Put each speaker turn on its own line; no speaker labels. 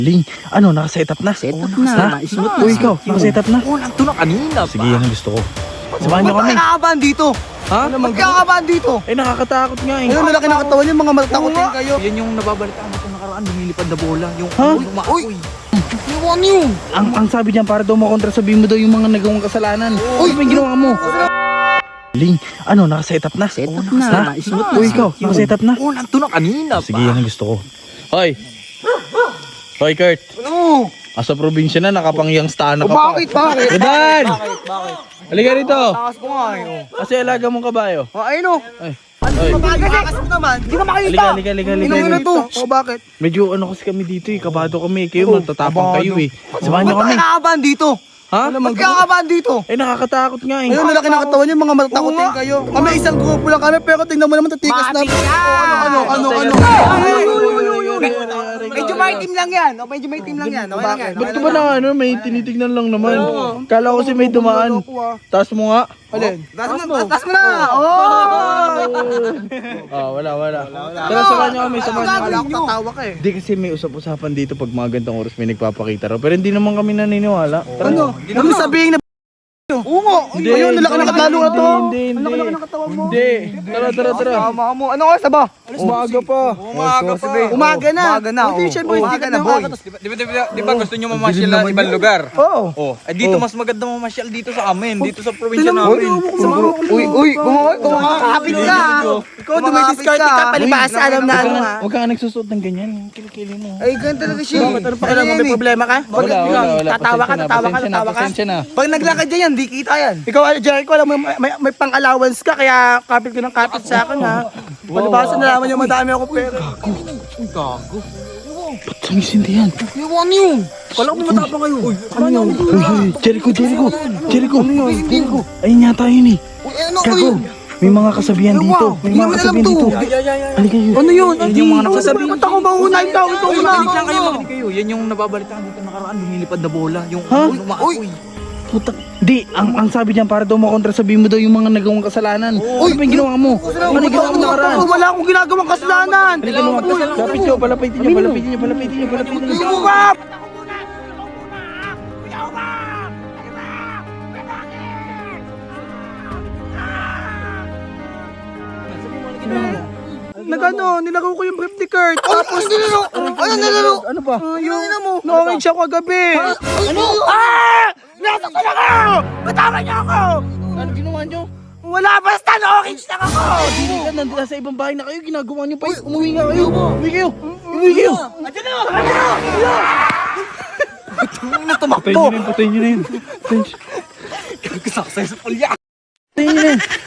Ling, ano, naka-set up na?
Set up na.
Ha? Uy, ikaw, naka-set up na?
Oo, nandun na kanina.
Sige, yan ang gusto ko. Samahan niyo kami.
Nakakabahan dito.
Ha?
Ba't kakakabahan dito?
Eh, nakakatakot nga eh.
Ayun, lalaki ng katawan yung mga matakotin kayo.
Yan yung nababalitaan natin nakaraan, lumilipad na bola. Yung
Ha?
Uy! Iwan yun!
Ang sabi diyan, para daw makontra, sabihin mo daw yung mga nagawang kasalanan. Uy, may ginawa mo. Ling, ano, naka-set up na?
Set up
Ha?
na. Smooth
Uy, ikaw, naka-set up na?
Oo, nandun na kanina.
Sige, yan ang gusto ko. Hoy! Hoy, Kurt.
Ano?
Asa probinsya na, nakapangyang staan na ka pa.
Bakit? Bakit?
Rodan!
Bakit?
Halika rito.
Takas ko nga eh.
Kasi alaga mong kabayo.
Oh, ayun o.
Ay.
Takas mo naman. Hindi ka makita.
Halika.
Inong na to. O bakit?
Medyo ano kasi kami dito eh, kabado kami. Kayo matatapang kayo eh. Samahan niyo
Ba't
kami.
kakakabahan dito?
Ha?
Ba't kakakabahan dito?
Eh, nakakatakot nga eh.
Ayun, lalaki ng katawan yung mga matakotin kayo. Kami isang grupo lang kami, pero tingnan mo naman tatikas na. Ano? Medyo may team lang yan. Medyo may team lang yan.
Ba't ba na ano, may tinitignan lang naman. Kala ko kasi may dumaan. Taas mo nga.
Alin? Taas mo na!
Wala. Tara, samahan niyo kami.
Wala akong tatawa ka eh.
Hindi kasi may usap-usapan dito pag mga gantong oras may nagpapakita raw. Pero hindi naman kami naniniwala. Tara.
Ano? Ano sabihin na Oo nga! Ayun, lalaki ng katalo na to!
Hindi.
Lalaki ng katawan mo!
Hindi. Tara.
Tama mo. Ano oras na ba?
Umaga pa.
Umaga na! Hindi siya boy, sikat na boy!
Di ba gusto nyo mamasyal na ibang lugar?
Oo!
Oh, dito mas maganda mamasyal dito sa amin, dito sa probinsya namin.
Uy! Kumakakapit ka! Ikaw, dumidiskarte ka! Palibasa, alam na ano ha!
Huwag ka nagsusuot ng ganyan. Kilikili mo.
Ay, ganun talaga siya!
Ano pa kailangan? May problema ka? Wala.
Tatawa ka!
Pasensya na.
Pag naglakad dyan, di kita yan. Ikaw, Jericho, alam mo, may pang-allowance ka, kaya kapit ko ng kapit sa akin, ha? Palibasa, nalaman niyo madami ako pera.
Ba't sumisindi yan?
Iwan yun! Kala ko matapang kayo. Ano yun?
Jericho. Ayun yata yun eh. Gago. May mga kasabihan dito. May mga kasabihan dito. Halika yun.
Ano yun?
Yan yung mga nagsasabi.
Ba't ako maunay daw? Ito
Makinig
na!
lang kayo, makinig kayo. Yan yung nababalitaan natin nakaraan, lumilipad na bola. Yung
Ha?
umaapoy.
Puta. Di, ang sabi diyan, para daw makontra, sabihin mo daw yung mga nagawang kasalanan. Uy, ano yung ginawa mo? Ano yung ginawa mo nakaraan?
Wala akong ginagawang kasalanan!
Halika mo. Kapit nyo, palapitin nyo.
Sumukap! Nilagaw ko yung brief ni Kurt. Tapos, nilaro?
Ano pa?
Yung na-orange ako kagabi. Ano? Nasaktan ako! Batawan niyo ako!
Ano ginawa nyo?
Wala, basta na-orange lang ako!
Hindi ka nandun sa ibang bahay na kayo, ginagawa nyo pa yun. Umuwi nga kayo. Umuwi kayo.
Andiyan na!
Patayin nyo na yun.
Kasaksay sa pulya.
Patayin nyo na yun.